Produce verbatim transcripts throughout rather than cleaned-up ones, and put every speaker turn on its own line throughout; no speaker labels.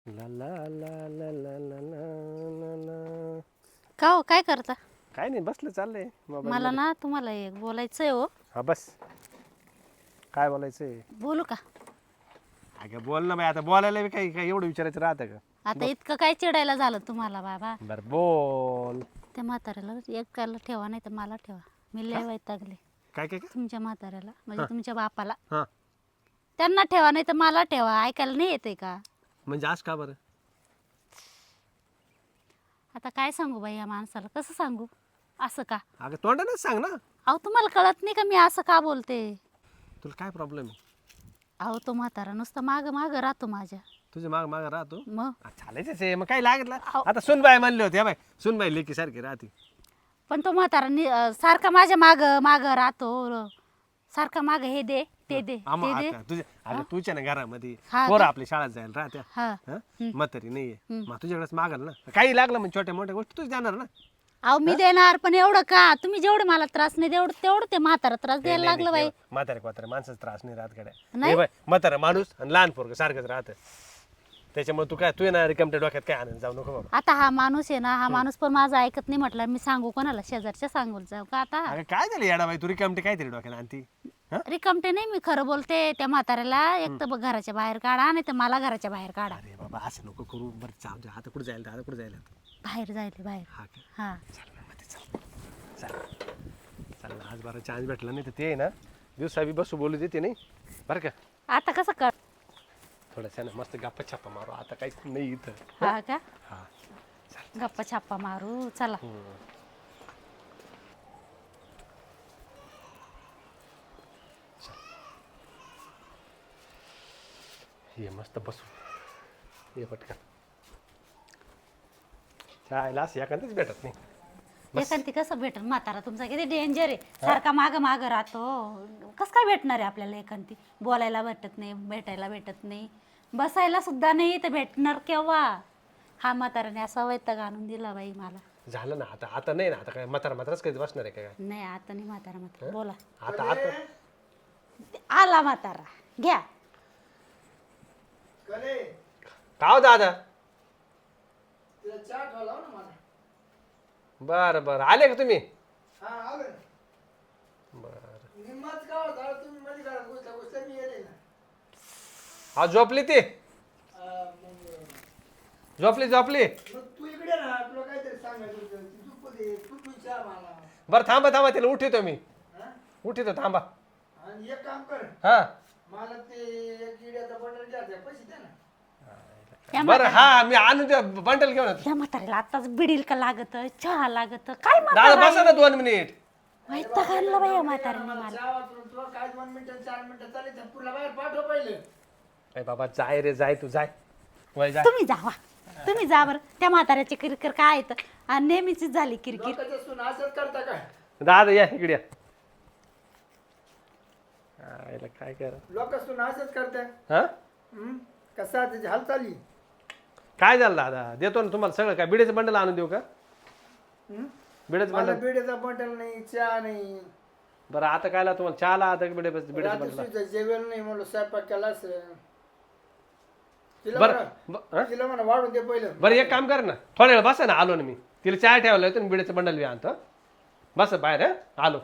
ला ला ला ला ला ला ला ला.
का हो काय करता?
काय नाही बसलं चाललंय मोबाईल
मला
मध्ये.
ना तुम्हाला एक बोलायचंय हो.
हा बस काय बोलायचंय?
बोलू का?
अगं बोल ना बाई, आता बोलायला बी काही काही एवढं विचारायचं राहतं का?
आता इतकं काय चिडायला झालं तुम्हाला बाबा?
बर बोल.
त्या म्हाताऱ्याला एकाला ठेवा नाही तर मला ठेवा. मी लय वैतागले
काय काय काय
तुमच्या म्हाताऱ्याला, म्हणजे तुमच्या बापाला.
हा
त्यांना ठेवा नाही तर मला ठेवा. ऐकायला नाही येते का?
म्हणजे आज का बरं?
आता काय सांगू बाई या माणसाला, कसं सांगू? असं का?
अगं तोंडानेच सांग ना.
अहो तुम्हाला कळत नाही का मी असं का बोलते?
तुला काय प्रॉब्लेम आहे?
अहो तो म्हातारा नुसतं माग माग राहतो माझ्या.
तुझे माग माग राहतो.
मग
चालायचंच आहे, मग काय लागलं?
अहो.
आता सुनबाई म्हणले होते बाई, सुनबाई लेकी सारखी राहते.
पण तो म्हातारा नि- अं, सारखा माझ्या माग माग राहतो. सारखा माग हे दे ते दे
हा, मग
ते दे.
आता तुझ्या अगं तुझ्या ना घरामध्ये
हा
पोरं
का?
आपली शाळेत जायला राहत्या.
हा
हं? म्हातारी नाहीये, मग तुझ्याकडेच मागाल ना. काही लागलं म्हणजे छोट्या मोठ्या गोष्टी तूच देणार ना.
अहो मी देणार, पण एवढं का? तुम्ही जेवढं मला त्रास नाही तेवढं तेवढं ते म्हातारा त्रास द्यायला लागलं बाई.
म्हातारे क्वातारे माणसाचा त्रास नाही राहत गड्या.
नाही?
हे बाई, म्हातारा माणूस आणि लहान पोरग सारखंच राहतं. त्याच्यामुळे तू काय तू येणार रिकमट्या डोक्यात काय आनंद जाऊ नको बाबा.
आता हा माणूस आहे ना, हा माणूस पण माझं ऐकत नाही म्हटलं. मी सांगू कोणाला? शेजारच्या सांगू जाऊ का आता?
अगं काय झालं येडा बाई, तू रिकमटे काहीतरी डोक्यात आणती. हं?
रिकामटे नाही, मी खरं बोलते. त्या म्हाताऱ्याला एक तर बघ घराच्या बाहेर काढा, नाही तर मला घराच्या बाहेर काढा.
अरे बाबा असं नको करू. बरं जाऊ दे, आता कुठे जायला आता कुठे जायला?
बाहेर जायले बाहेर.
हा का?
हा
चल ना मध्ये चल. चल चल ना, आज बारा चान्स भेटला नाही तर ते आहे ना दिवसा बी बसू बोलू देते नाही बरं का.
आता कसं कर?
थोडंसं ना मस्त गप्पा छापा मारू. आता काहीच नाही इथं.
हा का?
हा
गप्पा छाप्पा मारू चला.
ये मस्त बसू. ये पटकन. चायला असं एखादंच भेटत नाही.
एखादी कसं भेटल? म्हातारा तुमचा किती डेंजर आहे. सारखा माग माग राहतो. कसं काय भेटणार आहे आपल्याला एखादी? बोलायला भेटत नाही, भेटायला भेटत नाही, बसायला सुद्धा नाही, तर भेटणार केव्हा? हा म्हाताराने असा वैताग आणून दिला बाई मला.
झालं ना आता. आता नाही ना. आता काय म्हातारा म्हाताराच कधी बसणार आहे काय?
नाही आता नाही म्हातारा म्हातारा बोला.
आता आता
आला म्हातारा घ्या.
का हो दादा? बर बर आले का तुम्ही? हा झोपली ती. झोपली झोपली. बर थांबा थांबा तिला उठितो मी. उठितो थांबा.
एक काम कर,
हा
मला ते एक इड्याचा बंडल घ्यायचा, पैसे द्या ना.
त्या
बर हा मी आणून द्या बंडल घेऊन येतो.
त्या म्हाताऱ्याला आताच बिडील का लागत, चहा लागत, काय
दादा
म्हातारा
बसा ना दोन मिनिट.
वैताग आणला बाई या म्हाताऱ्याने मला.
चहा वाचून तुला काय दोन मिनिटं चार मिनिटं चालेल, तर पुढला बाहेर पाठव पहिले.
अरे बाबा जाय रे जाय तू जाय. वय जाय.
तुम्ही जावा, तुम्ही जा बरं. त्या म्हाताऱ्याची किरकिर काय येतं? आणि नेहमीचीच झाली किरकिर.
लोकांचं सून असंच करता काय?
दादा या इकडे या. आयला काय करा.
लोक सून असंच करताय.
हा
हम्म? कसं आहे त्याची हालचाली?
काय झालं दादा? देतो ना तुम्हाला सगळं. काय बिड्याचं बंडल आणून देऊ का?
हम्म?
बिड्याचं
मला
बंडल.
बिड्याचा बंडल नाही, चहा नाही,
बरं आता कायला तुम्हाला चहाला आता बिड्या बिड्याचं
रात्री
बंडल.
सुद्धा जेवण नाही, म्हणलं स्वयंपाक केला असेल. तिला
बरं
म्हणा,
ब- हं?
तिला म्हणा वाढून दे पहिलं.
बरं एक काम कर ना, थोड्या वेळ बसा ना. आलो ना मी. तिला चहा ठेवला होता बिड्याचं बंडल बी आणतो. बस बाहेर हं? आलो.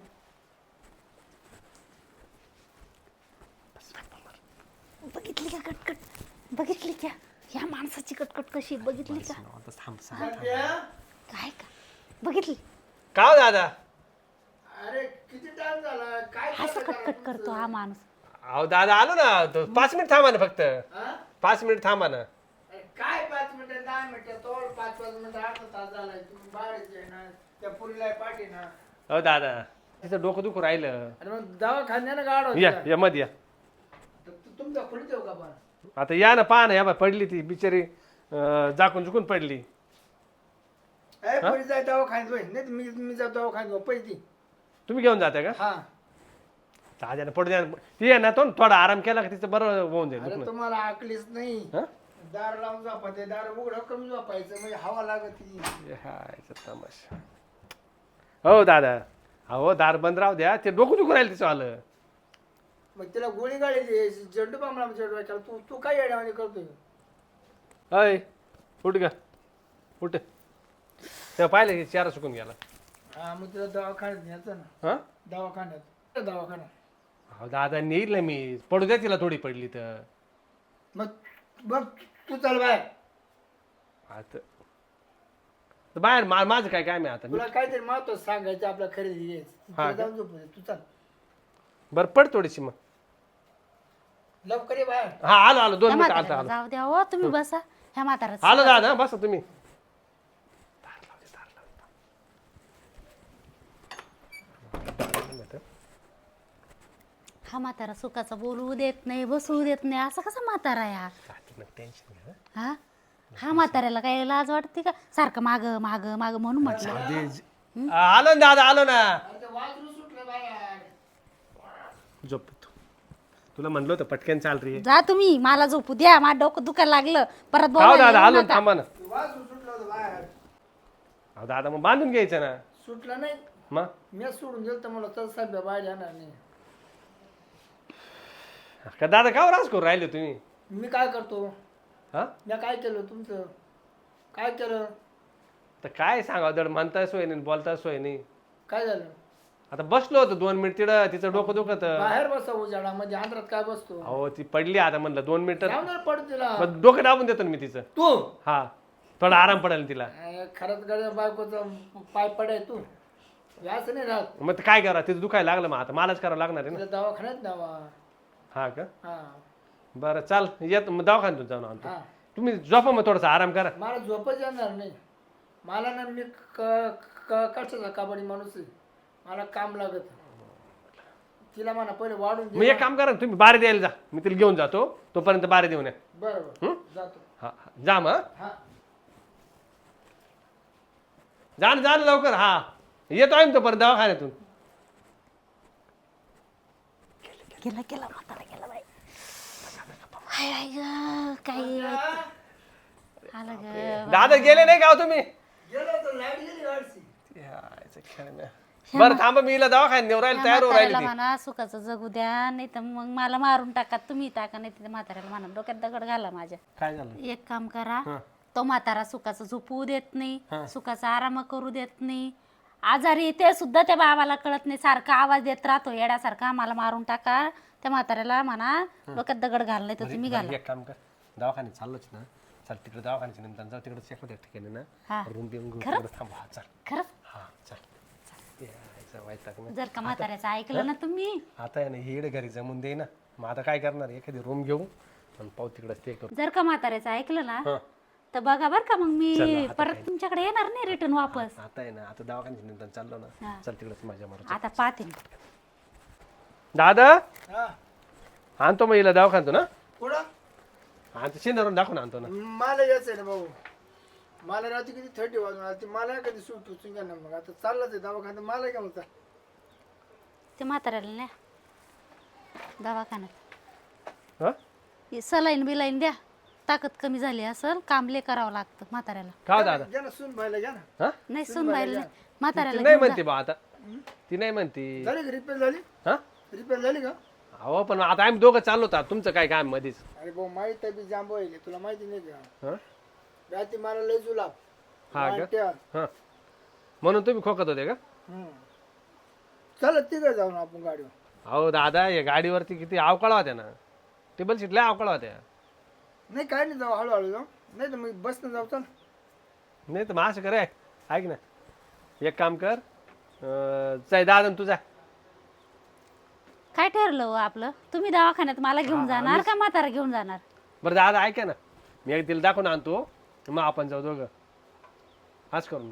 बघितली का कटकट? बघितली का या माणसाची कटकट कशी? बघितली का?
आता थांब सांग.
संध्या,
काय का बघितली?
का हो दादा?
अरे किती टाइम झाला, काय
असं
चाललंय
कटकट
घरात
करतो
तुमचं?
हा माणूस.
अहो दादा आलो ना. तो पाच मिनिट थांबा ना फक्त.
हा?
पाच मिनिट थांबा ना.
अरे काय पाच मिनिटं दहा मिनिटं तोड, पाच पाच मिनिटं अर्धा तास झालाय, तुम्ही बाहेरच आहे ना, त्या पुरीला पाठी ना.
हो दादा तिचं डोकं दुखू राहिलं.
अरे मग दवाखान्यानं गाड
या या मध्ये या.
तुमचा पुढे देऊ का पण?
आता या ना पहा ना. या बा पडली ती बिचारी. अं, जाकून चुकून पडली.
ए पुरी जाय दवाखान्यात होय, नाही तर मी मी जाऊ दवाखान्यात पैसे दे.
तुम्ही घेऊन जाता का?
हा.
दादा पडू द्या. ती आहे ना तो थोडा आराम केला का तिचं बरं होऊन जाईल
अरे
दुखणं.
तुम्हाला आकलीच नाही.
हं?
दार लावून झोपायचं, दार उघडं करून झोपायचं, म्हणजे हवा लागत ती.
हे हायचं तमाशा. हो दादा. अहो दार बंद राहू द्या. ते डोकं दुखू राहील तिचं आलं.
मग तिला गोळी गाडी दे, झेंडू बांबला झेंडू तू तू काय येड्यामध्ये करतोय?
अय उठ ग उठ तेव्हा पाहिलं की चारा सुकून गेला
हा मग तिला दवाखान्यात न्यायचं ना
हा
दवाखान्यात दवाखान्यात
अहो दादा नेईल ना मी पडू द्या तिला थोडी पडली तर
मग बघ तू चल बाहेर
आता तर बाहेर मा माझं काय काय मी आता मी
तुला काहीतरी महत्व सांगायचं आपल्या खरेदी घ्यायचं
हा
तिला जाऊन झोपू दे, तू चल
बरं पड थोडीशी मग
लवकर ये बाहेर
हा आलो आलो दोन
त्या
मिनिटं आलता
म्हाताऱ्याला
आलो
जाऊ द्या हो तुम्ही बसा ह्या म्हातारा
आलो दादा बसा तुम्ही
हा म्हातारा सुखाचा बोलू देत नाही बसवू देत नाही असं कसा म्हातारा या
टेन्शन घ्या
हा हा म्हाताऱ्याला काय लाज वाटते का सारखं माग माग माग म्हणून म्हटलं
आलो ना दादा आलो ना
अरे वाजरू सुटलं बाहेर
झोप तू तुला म्हणलं होतं पटकन चाल रे
जा तुम्ही मला झोपू द्या माझं डोकं दुखायला लागलं परत
खाऊ
बोलायला
दादा
येऊ
आलो ना,
नका.
थांबा ना
वाजरू सुटलं होतं बाहेर
अहो दादा मग बांधून घ्यायचं ना
सुटलं नाही
मग
मी सोडून गेलं तर मला तर सध्या बाहेर येणार नाही
का दादा का राज करू राहिले तुम्ही
मी काय करतो
हा
मी काय केलं तुमचं काय केलं
तर काय सांगा दड म्हणताय सोय नाही बोलताय सोय नाही
काय झालं
आता बसलो होतो दोन मिनिट तिथं तिचं डोकं दुखत
बाहेर बसा उजाडामध्ये आंध्रात काय बसतो
अहो ती पडली आता म्हणलं दोन मिनिटं
जाऊन दे पड तिला
मग डोकं दाबून देतो ना मी तिचं
तू
हा थोडा आराम पडेल तिला
अं, खरंच गड्या बायकोचं पाय पडाय तू असं नाही राहत
मग ते काय करा तिचं दुखायला लागलं मग आता मलाच करावं लागणार आहे ना
तिला दवाखान्यात न्यावा
हा का
हा
बरं चाल येत मग दवाखान्यातून जाऊन आणतो
हा
तुम्ही झोपा मग थोडासा आराम करा
मला झोपच येणार नाही मला ना मी क- क- कशाचा कबड्डी माणूस आहे मला काम लागत तिला म्हणा पहिले वाढून
मग
दे
एक काम करा ना, तुम्ही बारे द्यायला जा मी तिला घेऊन जातो तोपर्यंत बारे देऊन या
बरोबर
हं?
जातो
हा हा. जा मग
हा
जा ना जा ना लवकर हा येतो आहे ना तोपर्यंत दवाखान्यातून
गेला गेला म्हातारा गेला बाई हाय हाय ग काय आलं ग
दादा गेले नाही का हो तुम्ही
गेलो तर लाईट गेली गाडची
यायचं खेळ नाही. बरं थांबा मी हिला दवाखान्यात नेऊ राहील तयार हो राहिली
म्हाताऱ्याला
ती
म्हणा सुखाचं जगू द्या नाही तर मग मला मारून टाका तुम्ही टाका नाही तर म्हाताऱ्याला म्हणा डोक्यात दगड घाला माझ्या
काय झालं
एक काम करा
हं.
तो म्हातारा सुखाचं झोपवू देत नाही
हं.
सुखाचा आराम करू देत नाही आजारी ते सुद्धा त्या बाबाला कळत नाही सारखा आवाज देत राहतो येड्यासारखा मला मारून टाका त्या म्हाताऱ्याला म्हणा डोक्यात दगड घाल नाही तर तुम्ही घाला
एक काम कर दवाखान्यात चाललोच ना चल तिकडे दवाखान्याच्या निमित्तानं जाऊ तिकडे एखाद्या ठिकाणी
हा.
ना रूम बिम घेऊन तिकडे थांबा हा, चल
खरंच
हा चल यायचं वैताग नाही.
जर का म्हाताऱ्याचं ऐकलं ना तुम्ही
आता आहे ना हिड घरी जमून दे ना मग आता काय करणार एखादी रूम घेऊ आणि पाहू तिकडे स्टे करू
जर का म्हाताऱ्याचं ऐकलं ना
हा
तर बघा बर का मग
चला,
मी
आता
परत तुमच्याकडे येणार नाही रिटर्न वापस
आता आहे ना आता दवाखान्याच्या निमित्तानं चाललो ना
हा.
चल तिकडेच माझ्या मारू
आता पाहते मी.
दादा
हा
आणतो मग हिला दवाखान्यातून ना
पुढं
आणतो शेंदारून दाखवून आणतो ना
मला यायचं आहे ना भाऊ मला रात्री किती थर्टी वाजून आली मला कधी सूट टुचून घ्या ना मग आता चाललाच आहे दवाखान्यात मला काय म्हणता
ते म्हाताऱ्याला नाही दवाखान्यात
हा
सलाईन बिलाईन द्या ताकद कमी झाली असेल काम लय करावं लागतं म्हाताऱ्याला
का हो दादा
घ्या ना सून भाईला घ्या ना
हा
नाही सुन बायला
ती
म्हाताऱ्याला
नाही
घेऊन जा.
म्हणते बा आता ती नाही म्हणते
झाली का रिपेअर झाली
हा
रिपेअर झाली का
अहो पण आता आम्ही दोघं चाललो होता तुमचं काय काम मध्येच
अरे भाऊ माहित आहे बी जांब आहे तुला माहिती नाही का
हा
रात्री मला लय जुलाब
हा का
वाट्या.
हा म्हणून तुम्ही खोकत होते का
हम्म. चला तिकडे जाऊ ना आपण गाडीवर
अहो दादा या गाडीवरती किती अवकाळा होत्या ना टेबल सीट लय अवकाळा होत्या
नाही काय नाही जाऊ हळूहळू जाऊ नाही तर मग बसनं जाऊ चल
नाही तर मग असं कर ऐक ना एक काम कर अं, जाय दादा न तू जा
काय ठरलं हो आपलं तुम्ही दवाखान्यात मला घेऊन जाणार का म्हातारा घेऊन जाणार
बरं दादा ऐका ना मी एक तिला दाखवून आणतो मग आपण जाऊ दोघं हाच करू ना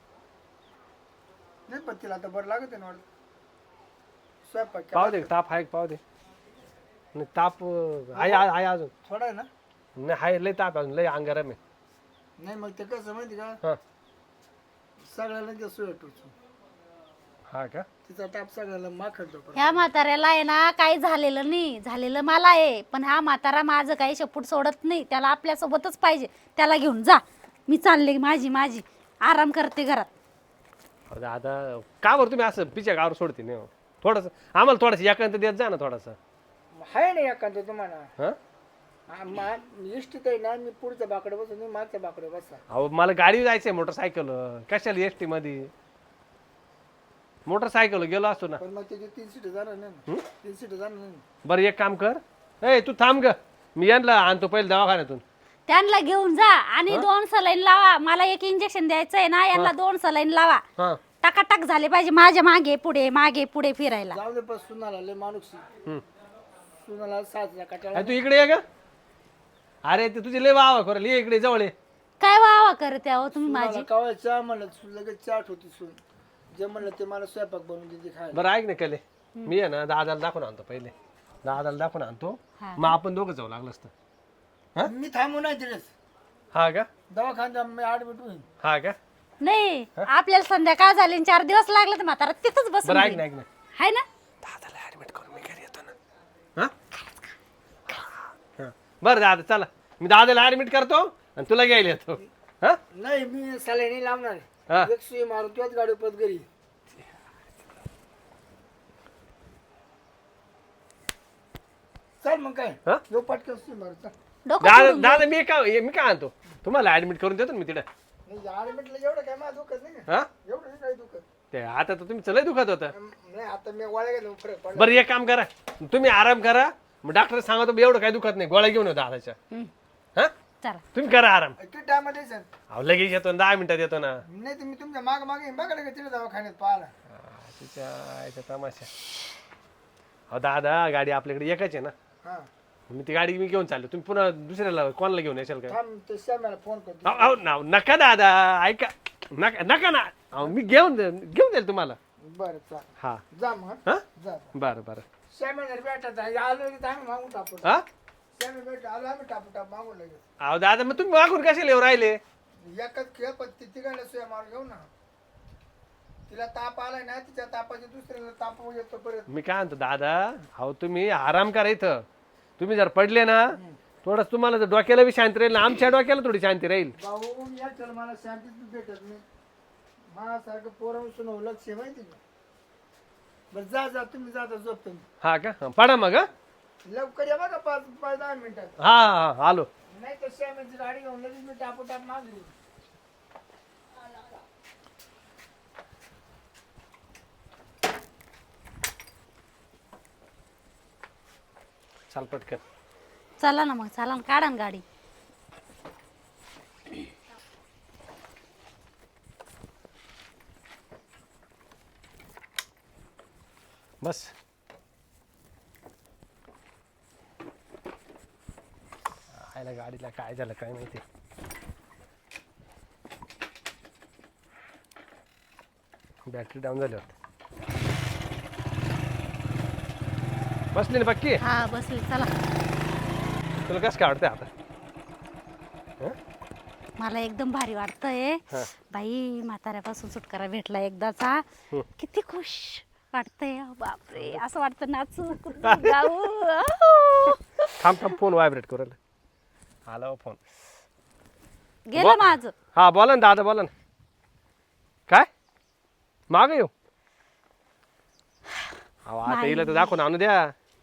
नाही पण तिला आता बरं लागत आहे ना वाटतं. स्वयंपाक
पाहू
केला.
दे ताप आहे का पाहू दे नाही ताप अं, आहे आहे आहे अजून
थोडा आहे ना
नाही आहे लय ताप आहे अजून लय अंगारम आहे
नाही मग ते कसं माहिती का
हां
सगळ्याला ते सोय टुचू
हा का
तिचा टाप सगळ्याला माखडतो पण
ह्या म्हाताऱ्याला आहे ना काही झालेलं नाही झालेलं मला आहे पण हा म्हातारा माझं काही शेपूट सोडत नाही त्याला आपल्यासोबतच पाहिजे त्याला घेऊन जा मी चालले माझी माझी आराम करते घरात
अहो दादा का बरं तुम्ही असं पिच्या गावर सोडते नाही हो? थोडंसं आम्हाला थोडंसं एकांत देत जा ना थोडासा
आहे ना एखादं तुम्हाला
हां
हा, मा- इष्टीत आहे ना मी पुढच्या बाकडे बसून तुम्ही मागच्या बाकडे बसा.
अहो मला गाडी जायचंय मोटरसायकल कशाला एस टी मध्ये मोटरसायकल गेलो असतो ना.
पण मग त्याची तीन सीट जाणार नाही ना. तीन सीट जाणार नाही.
बरं एक काम कर ए तू थांब ग मी यांना आणतो पहिले दवाखान्यातून.
त्यांना घेऊन जा आणि दोन सलाईन लावा. मला एक इंजेक्शन द्यायचंय ना, यांना दोन सलाईन लावा.
हा
टकाटक झाले पाहिजे माझ्या मागे पुढे मागे पुढे फिरायला.
जाऊ दे पण सुनाला लय माणूस
हम्म.
सुनाला सातला कटाळा.
अरे तू इकडे ये ग. अरे ते तुझे लय वावा करेल ये इकडे जवळ ये.
काय वावा करते अहो तुम्ही माझी.
सुनाला कवा चहा म्हणलं सु- लगेच चाट होती सून. जे म्हणलं ते मला स्वयंपाक बनवून देते खायला.
बरं ऐक ना कले मी आहे ना दादाला दाखवून आणतो पहिले. दादाला दाखवून आणतो
हा.
मग आपण दोघं जाऊ लागलं असतं.
मी थांबू नाही तिकडेच
हा का
दवाखान्यात मी ऍडमिट होईन.
हा का
नाही आपल्याला संध्याकाळ झाली आणि चार दिवस लागले तर म्हातारा तिथंच बसून
बरं ऐक
राहील.
ना ऐक ना
हाय ना.
दादाला ऍडमिट करून मी घरी येतो ना. हा? हा बरं दादा चला मी दादाला ऍडमिट करतो आणि तुला घ्यायला येतो. हा
नाही मी सलाईनी लावणार
हा.
एक सुई मारून तुझ्याच गाडी पत घरी. चल मग काय
हा?
यो पटकन सुई मारू चल.
डोकं
दादा
सोडून
दादा मी काय मी काय आणतो तुम्हाला ऍडमिट करून देतो ना मी तिकडे.
नाही ऍडमिटला एवढं काय माझं दुखत नाही का?
हा
एवढं नाही काही दुखत.
ते आता तर तुम्ही चलय दुखत होतं.
नाही आता मी वाळ्या गेलो फरक पडला.
बरं एक काम करा तुम्ही आराम करा मग डॉक्टर सांगतो एवढं काही दुखत नाही गोळ्या घेऊन येतो दादाच्या.
हम्म,
हा
चला
तुम्ही करा आराम.
किती टाइम मध्ये सर
अहो लगेच येतो ना दहा मिनिटात येतो ना.
नाही तर मी तुमच्या माग मागे बघा का तिथे दवाखान्यात पाहिला.
हा, तिच्या आईचा तमाशा. अहो दादा गाडी आपल्याकडे एकच आहे ना.
हा
मी ती गाडी मी घेऊन चाललो तुम्ही पुन्हा दुसऱ्याला कोणाला घेऊन येशाल का.
थांब ते श्यामाला फोन करतो.
अहो, अहो, नाव- नका दादा ऐका नका नका ना अहो, मी घेऊन दे- घेऊन जाईल तुम्हाला.
बरं चाल
हा
जा मग
हा
जा
बरं बरं
श्यामाला भेटत आहे आलो की आम्ही मागून टाकू.
हा
श्यामा भेट आलो आम्ही टापू टाप मागून लगेच.
अहो दादा मग तुम्ही मागून कशाला येऊ राहिले.
एकच खेळ पण ती तिघांना सोया मारून घेऊ ना. तिला ताप आलाय ना तिच्या तापाची दुसऱ्याला ताप येतो परत.
मी काय म्हणतो दादा अहो तुम्ही आराम करा इथं. तुम्ही जर पडले ना थोडंच तुम्हाला जर डोक्याला बी शांती राहील ना आमच्या डोक्याला थोडी शांती राहील.
भाऊ या चल मला शांतीच भेटत नाही. माझ्यासारखं पोरावर सुनावं लक्ष आहे माहिती का. बरं जा जा तुम्ही जाता झोप तुम्ही.
हा का हा, पडा मग हा
लवकर या बघा पाच पाच दहा मिनिटात.
हा हा, आलो.
नाही तर श्यामाची गाडी घेऊन लगेच मी टापू टाप मागली.
चाल पटकन.
चला ना मग चला ना काढा ना गाडी.
बस आयला गाडीला काय झालं काय माहिती. बॅटरी डाऊन झाली होती. बसली ना पक्की.
हा बसले चला.
तुला कसं काय वाटतंय आता.
मला एकदम भारी वाटतंय.
हा.
बाई म्हाताऱ्यापासून सुटकारा भेटला एकदाचा. किती खुश वाटतंय. बापरे असं वाटतं नाचू कुठं गाऊ. आहो.
थांब थांब फोन व्हायब्रेट करू राहिला. आला हो फोन.
गेलं माझं.
हा बोला ना दादा बोला ना. काय माग येऊ अहो आता हिला तर दाखवून आणू द्या.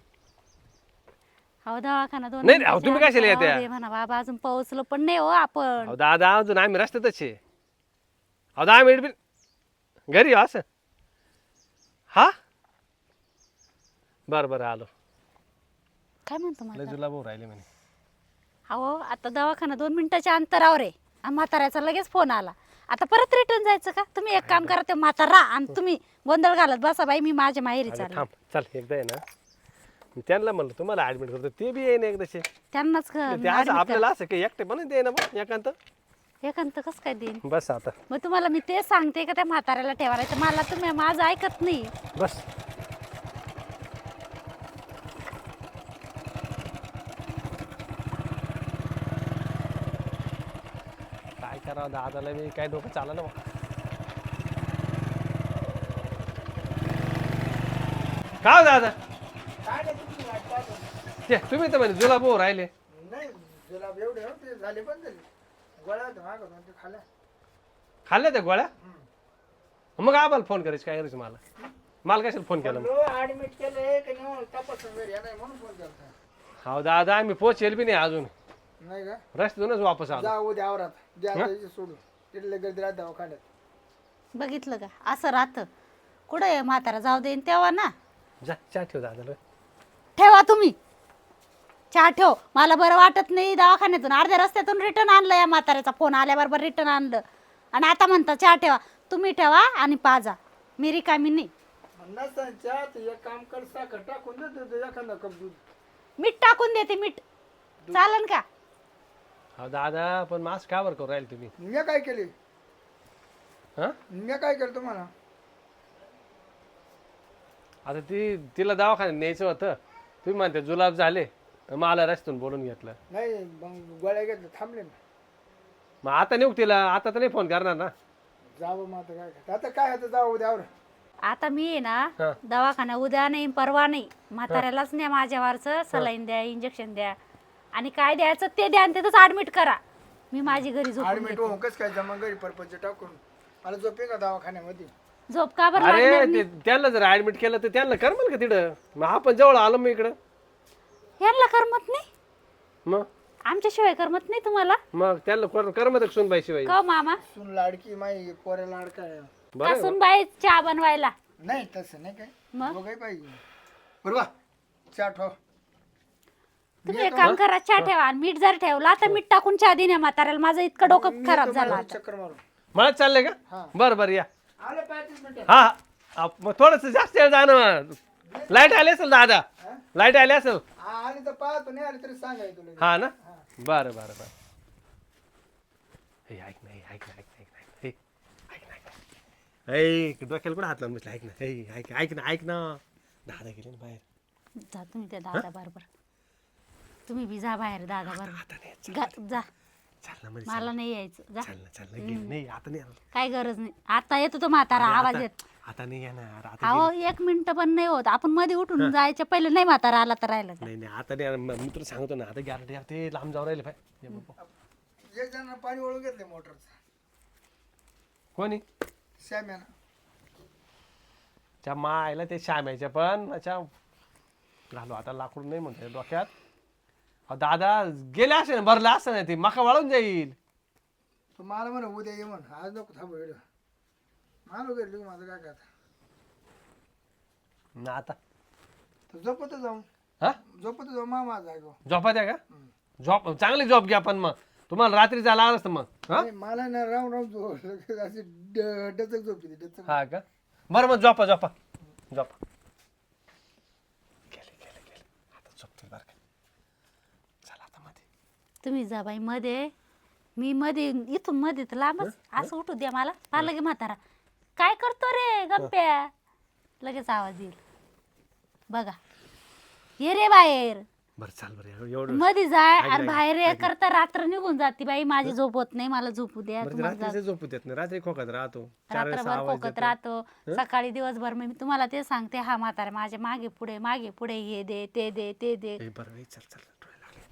अहो दवाखाना दोन
नाही, अहो, तुम्ही
मिनिटाच्या
कशाला
अंतरावर
येत्या?
आहे म्हणा बाबा अजून पोहोचलो पण नाही हो आपण.
अहो दादा अजून आम्ही रस्त्यातच आहे. अहो दहा मिनिट बी घरी येऊ असं. हा बरं बरं आलो.
काय म्हणतो
लय
म्हातारा?
जुला भाऊ राहिले म्हणे.
अहो आता दवाखाना दोन मिनिटाच्या अंतरावर आहे आणि म्हाताऱ्याचा लगेच फोन आला. आता परत रिटर्न जायचं का. तुम्ही एक काम करा ते म्हातारा आणि तुम्ही गोंधळ घालत बसा बाई मी माझ्या माहेरी
अगं
चालले.
थांब चल एकदा आहे ना मी त्यांना म्हणलं तुम्हाला ऍडमिट करतो ते बी येईन एकदाचे.
त्यांनाच ग-
ते असं
admit
आपल्याला असं काही एकटे पण दे ना मग एकांत.
करा. एकांत कसं काय देईन.
बस आता
मग तुम्हाला मी ते सांगते का त्या म्हाताऱ्याला ठेवायचं. मला तुम्ही माझं ऐकत नाही.
बस. काय करावं दादाला बी काय डोकं चाललं ना मग. का हो दादा
काय नाही तुमची वाट पाहतो.
ते तुम्ही तर म्हणे जुला भाऊ राहिले.
नाही जुलाब एवढे होते झाले पण झाले. गोळ्या होत्या मागं दोन ते खाल्ल्या.
खाल्ल्या त्या गोळ्या. मग आम्हाला फोन करायचं काय करायचं मला मला कशाला फोन केला मग.
ऍडमिट केलंय का नाही तपासून घरी नाही म्हणून फोन करता.
हो दादा आम्ही पोचेल बी नाही अजून,
नाही का?
रस्त्यातूनच वापस आलो.
जा उद्या आवरात द्या आता इथे सोडून तिथले गर्दी राहत दवाखान्यात.
बघितलं का असं राहतं. कुठं आहे म्हातारा जाऊ देईन तेव्हा ना.
जा चहा ठेव दादा.
ठेवा तुम्ही चहा ठेव. मला बरं वाटत नाही दवाखान्यातून अर्ध्या रस्त्यातून रिटर्न आणलं या म्हाताऱ्याचा फोन आल्याबरोबर रिटर्न आणलं आणि आता म्हणता चहा ठेवा. तुम्ही ठेवा आणि पाजा, मी रिकामी नाही.
नसतं चहा तर एक काम कर, साखर टाकून दे एखादा कप दूध.
मीठ टाकून देते. मीठ चालन का?
हो दादा पण मास्क का बरं करू राहील तुम्ही?
मी काय केले?
हा
मी काय केलं तुम्हाला?
आता ती तिला दवाखान्यात न्यायचं होतं, तुम्ही म्हणते जुलाब झाले, मला रस्त्यातून बोलून घेतलं.
नाही मग गोळ्या घेतल्या थांबले ना.
मग आता नेऊ तिला, आता तर नाही फोन करणार ना.
जावं मग आता काय करता? आता काय आता जाऊ उद्या आवर.
आता मी आहे ना
हा.
दवाखाना उद्या नाही परवा नाही, म्हाताऱ्यालाच न्या माझ्यावरचं, सलाईन द्या, इंजेक्शन द्या आणि काय द्यायचं ते द्या आणि तिथंच ऍडमिट करा. मी माझी घरी झोपून
ऍडमिट
घेते.
होऊन कसं काय जमा घरी परपंच टाकून मला झोपे का दवाखान्यामध्ये?
झोप का बरं
अरे
लागणार
ते
नाही?
त्यांना जर ऍडमिट केलं तर त्यांना करमल का तिकडं? मग आपण जवळ आलो मग इकडं.
यांना करमत नाही?
मग
आमच्याशिवाय करमत नाही तुम्हाला?
मग त्यांना कर- करमत सुन बाई शिवाय.
का मामा
सुन लाडकी माई पोऱ्या लाडका आहे.
बरं
असून बाई चहा बनवायला
नाही तसं नाही काय
मग?
दोघंही पाहिजे. बरोबर चहा ठेव.
तुम्ही एक काम करा, चहा ठेवा आणि मीठ जर ठेवला तर मीठ टाकून चहा देण्या म्हाताऱ्याला. माझं इतकं डोकं खराब झालं आता.
चक्कर मारून
मला चाललंय का?
हा.
बरं बरं या.
आलं पाच मिनिटं.
हा हा. मग थोडस जास्त वेळ जाणं. लाईट आली असेल दादा, लाईट आली असेल.
हा, आली तर पाहतो, नाही आली तरी सांगाय तुला.
हा ना. बरं बरं बरं. हे ऐक ना, हे ऐक ना, ऐक ना, ऐक ना, हे ऐक ना, ऐक ना. ऐक डोक्याला पण हात लावून बसला. ऐक ना, हे ऐक ऐक ना, ऐक ना. दादा गेले ना बाहेर.
जा तुम्ही त्या दादा बरोबर. तुम्ही बी जा बाहेर दादा बरोबर.
आता नाही
गा- जा.
चाल ना मध्ये.
मला नाही यायचं. जा.
चाल ना, चाल ना. गेले नाही आता नाही येणार.
काय गरज नाही. आता येतो तो म्हातारा आवाज
आता-
येत.
आता नाही येणार. आता
अहो एक मिनिट पण नाही होत. आपण मध्ये उठून जायच्या पहिले नाही म्हातारा आला तर राहिलं का?
नाही नाही आता नाही येणार. मी तुला सांगतो ना, आता गॅरंटी ते लांब जाऊ राहिले पाहिजे.
एक जण पाणी वळून घेतले मोटरचं
कोणी?
श्याम्यानं.
त्या मायला ते श्यामायच्या पण अच्छा घालू आता लाकूड नाही म्हणते डोक्यात. अहो दादा गेले असे ना, भरलं असं नाही ते मका वाळून जाईल.
तो मला म्हणा उद्या ये म्हण, आज नको थांबू वेळ. मला घेतली माझं काय करता.
ना आता
तर झोपत जाऊ
हा
झोपत जाऊ मामा जागो.
झोपा द्या का? झोप चांगली झोप घ्या पण मग तुम्हाला रात्री जायला आलं असतं मग. हा
नाही, मला ना राहून राहून झोप अशी ड- डचक झोप येते, डचक.
हा का? बरं मग झोपा झोपा झोपा. गेले गेले गेले आता झोपतील बरं का. चला आता मध्ये.
तुम्ही जा बाई मध्ये. मी मध्ये इथून मध्ये तर लांबच असं उठू द्या मला. मला लगे म्हातारा काय करतो रे गप्प्या, लगेच आवाज येईल बघा. ये रे बाहेर.
बरं चाल बरं एवढं.
मध्ये जाय
ऐक
आणि
ना,
बाहेर
ऐक
ये
ना.
करता रात्र निघून जाते बाई. माझी झोप होत नाही, मला झोपू द्या.
बरं ते
तुम्हाला जा-
रात्रीचं झोपू देत नाही. रात्री खोकत राहतो. चार वेळेस
रात्रभर
आवाज
खोकत
देतो.
राहतो. सकाळी दिवसभर मी तुम्हाला ते सांगते, हा म्हातारा माझ्या मागे पुढे मागे पुढे हे दे ते दे ते दे.
ए, बरं ए, चल चल डोळे लागले.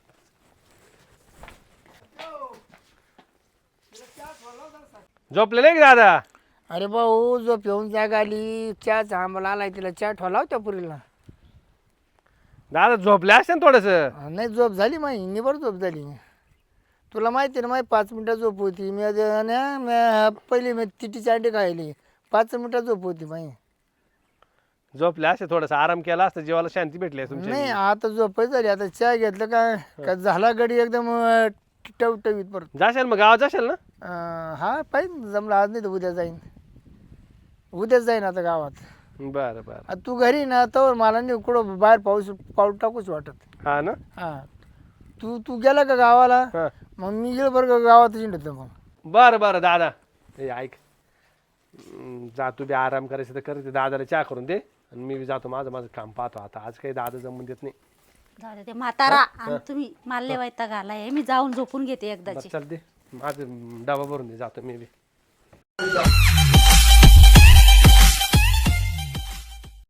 झोपले नाही का दादा?
अरे भाऊ झोप येऊन जाग आली, चहाचा आंबला आलाय, तिला चहा ठेवला होत्या पुरीला.
दादा झोपले असते ना थोडस.
नाही झोप झाली माही, निबर झोप झाली. तुला माहिती ना माही पाच मिनिटं झोप होती. मी आता ना मी पहिली मी तिटीची अंडी खायली, पाच मिनिटं झोप होती माही.
झोपले असते थोडस आराम केला असता, जीवाला शांती भेटली असती
नाही
तुमच्या.
आता झोप झाली. आता चहा घेतलं काय का झाला गडी एकदम अं, टवटवीत परत.
जाशाल मग गावात जाशाल ना?
अं, हा पाहिजे जमलं आज नाही तर उद्या जाईन. उद्याच जाईन आता गावात.
बरं बरं.
आता तू घरी ना तर मला नाही कुठं बाहेर पाऊस पाऊल टाकूच वाटत.
हा ना.
हा तू तू गेला का गावाला?
हा.
मग मी गेलो बरं का गावात हिंडतो मग.
बरं बरं दादा ए ऐक, हम्म, जा तू बी आराम करायचं तर कर. ते दादाला चहा करून दे आणि मी बी जातो माझं माझं काम पाहतो. आता आज काही दादा जमून देत नाही.
जाऊ दे ते म्हातारा आणि तुम्ही माल्ले वायता घालाय. मी जाऊन झोपून घेते एकदाची.
बरं चल दे माझं डबा भरून दे, जातो मी बी.